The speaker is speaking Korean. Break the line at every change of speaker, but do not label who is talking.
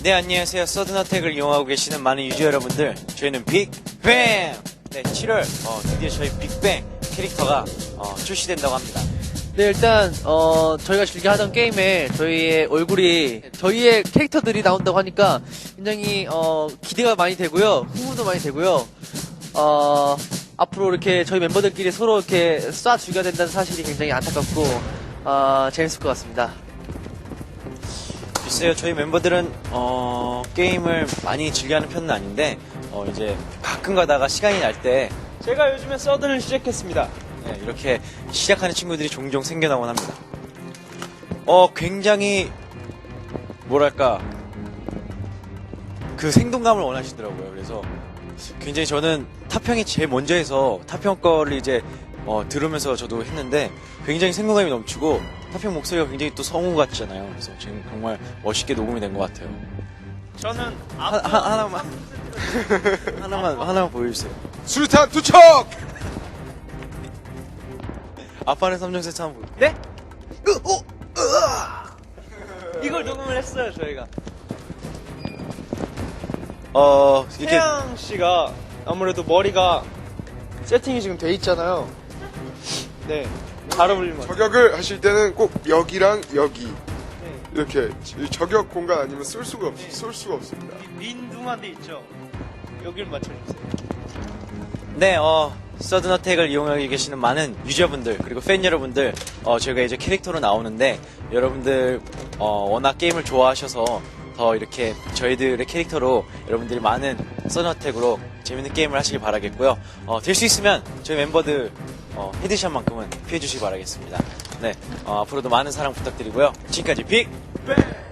네, 안녕하세요. 서든어택을 이용하고 계시는 많은 유저 여러분들, 저희는 빅뱅! 네, 7월 드디어 저희 빅뱅 캐릭터가 출시된다고 합니다.
네, 일단 저희가 즐겨 하던 게임에 저희의 얼굴이 저희의 캐릭터들이 나온다고 하니까 굉장히 기대가 많이 되고요, 흥분도 많이 되고요. 앞으로 이렇게 저희 멤버들끼리 서로 이렇게 쏴 죽여야 된다는 사실이 굉장히 안타깝고 재밌을 것 같습니다.
글쎄요, 저희 멤버들은 게임을 많이 즐겨하는 편은 아닌데 이제 가끔 가다가 시간이 날 때
제가 요즘에 서든을 시작했습니다.
네, 이렇게 시작하는 친구들이 종종 생겨나곤 합니다. 굉장히 뭐랄까 그 생동감을 원하시더라고요. 그래서 굉장히 저는 타평이 제일 먼저 해서 타평 거를 이제 들으면서 저도 했는데 굉장히 생동감이 넘치고 타평 목소리가 굉장히 또 성우 같잖아요. 그래서 지금 정말 멋있게 녹음이 된 것 같아요.
저는
하나만 보여주세요.
수류탄 투척!
아빠는 3종 세트 한번 보여주세요.
네? 이걸 녹음을 했어요, 저희가.
이렇게
태양 씨가 아무래도 머리가 세팅이 지금 돼 있잖아요. 네. 잘 어울리는 것 같아요.
저격을 하실 때는 꼭 여기랑 여기
네.
이렇게 저격 공간 아니면 쏠 수가 없습니다.
민둥한 데 있죠? 여기를 맞춰주세요.
네, 서든어택을 이용하고 계시는 많은 유저분들 그리고 팬 여러분들 저희가 이제 캐릭터로 나오는데 여러분들 워낙 게임을 좋아하셔서 더 이렇게 저희들의 캐릭터로 여러분들이 많은 서든어택으로 재밌는 게임을 하시길 바라겠고요. 될 수 있으면 저희 멤버들 헤드샷만큼은 피해주시기 바라겠습니다. 네, 앞으로도 많은 사랑 부탁드리고요. 지금까지 빅뱅!